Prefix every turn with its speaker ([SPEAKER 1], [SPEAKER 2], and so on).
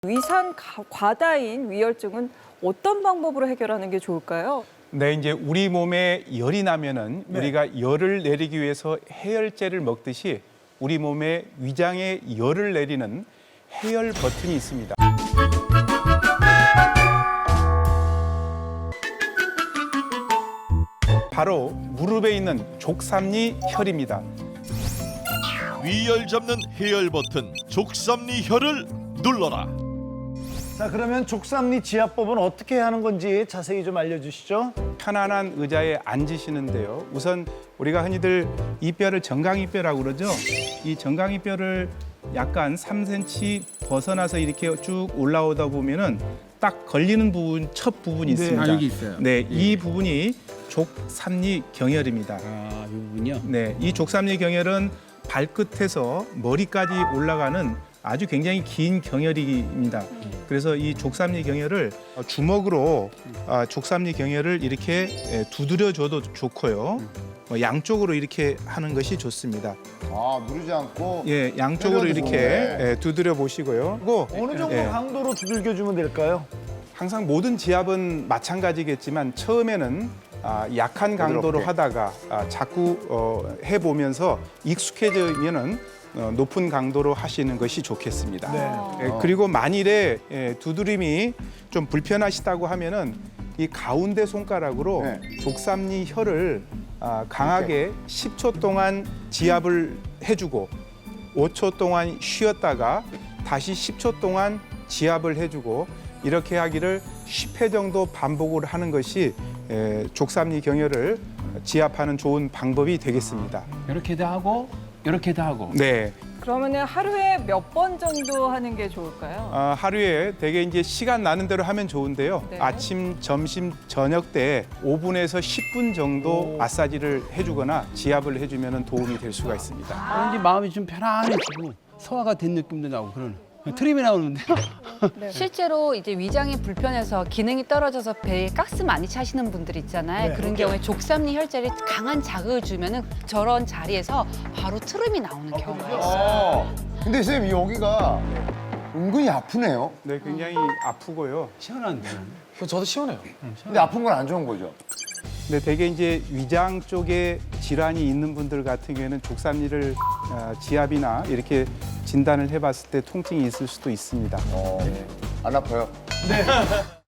[SPEAKER 1] 위산 과다인 위혈증은 어떤 방법으로 해결하는 게 좋을까요?
[SPEAKER 2] 네, 이제 우리 몸에 열이 나면은 우리가 열을 내리기 위해서 해열제를 먹듯이 우리 몸에 위장에 열을 내리는 해열 버튼이 있습니다. 바로 무릎에 있는 족삼리 혈입니다.
[SPEAKER 3] 위열 잡는 해열 버튼 족삼리 혈을 눌러라.
[SPEAKER 4] 자, 그러면 족삼리 지압법은 어떻게 하는 건지 자세히 좀 알려주시죠.
[SPEAKER 2] 편안한 의자에 앉으시는데요. 우선 우리가 흔히들 이 뼈를 정강이뼈라고 그러죠. 이 정강이뼈를 약간 3cm 벗어나서 이렇게 쭉 올라오다 보면은 딱 걸리는 부분, 첫 부분이 있습니다.
[SPEAKER 5] 여기 있어요.
[SPEAKER 2] 네, 이 부분이 족삼리 경혈입니다.
[SPEAKER 5] 이 부분이요?
[SPEAKER 2] 네, 이 족삼리 경혈은 발끝에서 머리까지 올라가는 아주 굉장히 긴 경혈입니다. 그래서 이 족삼리 경혈을 주먹으로 족삼리 경혈을 이렇게 두드려줘도 좋고요. 양쪽으로 이렇게 하는 것이 좋습니다.
[SPEAKER 6] 누르지 않고.
[SPEAKER 2] 예, 양쪽으로
[SPEAKER 6] 때려도
[SPEAKER 2] 이렇게
[SPEAKER 6] 좋네.
[SPEAKER 2] 두드려 보시고요. 그리고
[SPEAKER 4] 어느 정도
[SPEAKER 2] 예,
[SPEAKER 4] 강도로 두들겨주면 될까요?
[SPEAKER 2] 항상 모든 지압은 마찬가지겠지만 처음에는 약한 강도로
[SPEAKER 6] 부드럽게.
[SPEAKER 2] 하다가 자꾸 해보면서 익숙해지면은 높은 강도로 하시는 것이 좋겠습니다.
[SPEAKER 4] 네.
[SPEAKER 2] 예, 그리고 만일에 두드림이 좀 불편하시다고 하면은 이 가운데 손가락으로
[SPEAKER 6] 네.
[SPEAKER 2] 족삼리 혈을 강하게 10초 동안 지압을 해주고 5초 동안 쉬었다가 다시 10초 동안 지압을 해주고 이렇게 하기를 10회 정도 반복을 하는 것이 족삼리 경혈을 지압하는 좋은 방법이 되겠습니다.
[SPEAKER 5] 이렇게도 하고 이렇게도 하고.
[SPEAKER 2] 네.
[SPEAKER 1] 그러면은 하루에 몇 번 정도 하는 게 좋을까요?
[SPEAKER 2] 하루에 대개 이제 시간 나는 대로 하면 좋은데요.
[SPEAKER 1] 네.
[SPEAKER 2] 아침, 점심, 저녁 때 5분에서 10분 정도 마사지를 해주거나 지압을 해주면 도움이 될 수가 있습니다.
[SPEAKER 5] 왠지 마음이 좀 편안해지고 소화가 된 느낌도 나고 그런 트림이 나오는데요.
[SPEAKER 7] 실제로 이제 위장이 불편해서 기능이 떨어져서 배에 가스 많이 차시는 분들 있잖아요.
[SPEAKER 4] 네.
[SPEAKER 7] 그런 경우에 족삼리 혈제를 강한 자극을 주면은 저런 자리에서 바로 트름이 나오는 경우가 있어요.
[SPEAKER 6] 근데 선생님 여기가 은근히 아프네요.
[SPEAKER 2] 네, 굉장히 아프고요.
[SPEAKER 5] 시원한데.
[SPEAKER 8] 저도 시원해요.
[SPEAKER 6] 근데 아픈 건 안 좋은 거죠.
[SPEAKER 2] 근데 대개 이제 위장 쪽에 질환이 있는 분들 같은 경우에는 족삼리를 지압이나 이렇게 진단을 해봤을 때 통증이 있을 수도 있습니다.
[SPEAKER 6] 안 아파요?